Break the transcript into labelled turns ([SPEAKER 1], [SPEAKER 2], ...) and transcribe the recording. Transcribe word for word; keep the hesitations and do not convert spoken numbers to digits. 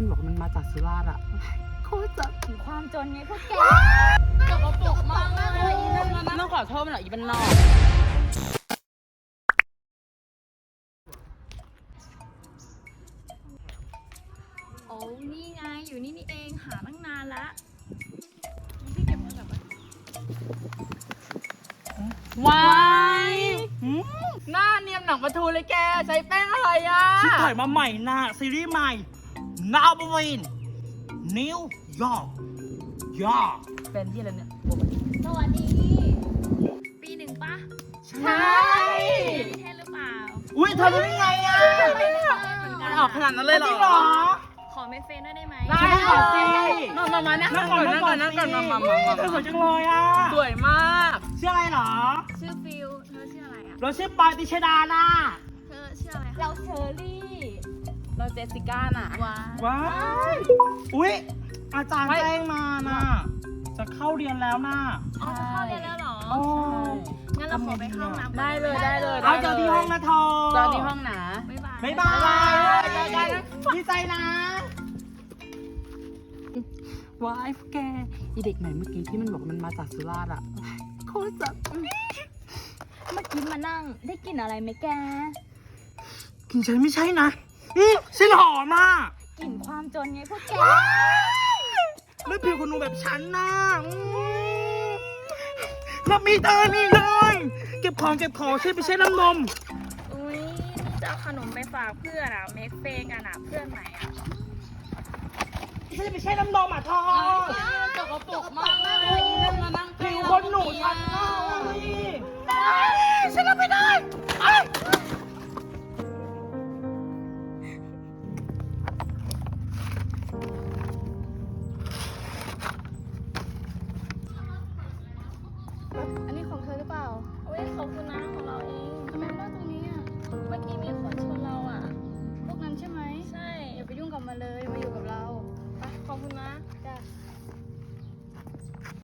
[SPEAKER 1] บอกมันมาจากสุราษฎร์อะโคตรจะ
[SPEAKER 2] ถึงความจนไงพวกแกตกกระปุกมากเลยอีนั่นมัน
[SPEAKER 1] ต้องขอโทษมันหน่อยอีเป็นนอก
[SPEAKER 2] โอ้นี่ไงอยู่นี่นี่เองหาตั้งนานละพี่เก็บเงินแบบว่า
[SPEAKER 1] ว้ายหน้าเนียมหนังปลาทูเลยแกใช้แป้งอะไรอะ
[SPEAKER 3] ที่ถ่ายมาใหม่นะซีรีส์ใหม่ Now b e n New York York
[SPEAKER 1] เป็นที่อะไรเนี่ย
[SPEAKER 2] สวัสดีปีหนึ่งปะ
[SPEAKER 1] ใช่
[SPEAKER 2] นิเทศหรือเปล่า
[SPEAKER 3] อุ้ยเธอรู้ได้ไงอ่ะ
[SPEAKER 1] มันออกขนาดนั้นเลยเหร
[SPEAKER 3] จ
[SPEAKER 1] อ
[SPEAKER 3] ริงเหรอ
[SPEAKER 2] ขอเมสเฟนด้วยได้ไหม
[SPEAKER 1] ได้
[SPEAKER 3] ขอสิ
[SPEAKER 1] มามามานั่งก่อนนั่งก่อนนั่งก่อนมามามามา
[SPEAKER 3] เธอสวยจังเลยอ่ะ
[SPEAKER 1] สวยมาก
[SPEAKER 3] ชื่ออะไรเหรอ
[SPEAKER 2] ชื่อฟิลเธอชื่ออะไรอ่ะ
[SPEAKER 3] เราชื่อปอยติชดาน่ะ
[SPEAKER 2] เธอชื่ออะไรเราเชอรี่
[SPEAKER 1] เราเจสสิก้าน่ะ
[SPEAKER 2] ว้า
[SPEAKER 3] ว้ายอุ้ยอาจารย์แจ้งมาน่ะ จะเข้าเรียนแล้วน่ะ
[SPEAKER 2] อ๋อจะเข้าเรียนแล้วเหรอ
[SPEAKER 3] โอ้
[SPEAKER 2] งั้นเราขอไปเข้าห้องน้ำก่อน
[SPEAKER 1] ได้เลยได้เลย
[SPEAKER 3] เอาเจอที่ห้องนะเธอ
[SPEAKER 1] เจอที่ห้องนะ
[SPEAKER 2] บ๊ายบาย
[SPEAKER 3] บ๊ายบาย
[SPEAKER 1] เจอกันนะ
[SPEAKER 3] ดีใจนะ
[SPEAKER 1] ว้ายแกอีเด็กไหนเมื่อกี้ที่มันบอกมันมาจากสุราษฎร์อะโคตรจะ
[SPEAKER 2] เมื่อกี้มานั่งได้กลิ่นอะไรไหมแก
[SPEAKER 3] กินฉันไม่ใช่นะอืมฉันหอมมาก
[SPEAKER 2] กลิ่นความจนไงพวกแก
[SPEAKER 3] ไม่ผิวคนหนูแบบฉันนะอืมแล้วมีเธอนี่เลย เก็บของเก็บของใช่ไม่ใช่น้ำนม
[SPEAKER 2] อุ้ยนี่จะเอาขนมไปฝากเพื่อนอ่ะเมกเฟงกันอ่ะเพื่อนใหม่อ่ะ
[SPEAKER 3] ใช่ไม่ใช่น้ำนมอ่ะทอ
[SPEAKER 1] ตกกระปุกมากเลยอีนั่นมานั่ง
[SPEAKER 3] ผิวคนหนูฉันนะฉันรับไม่ได้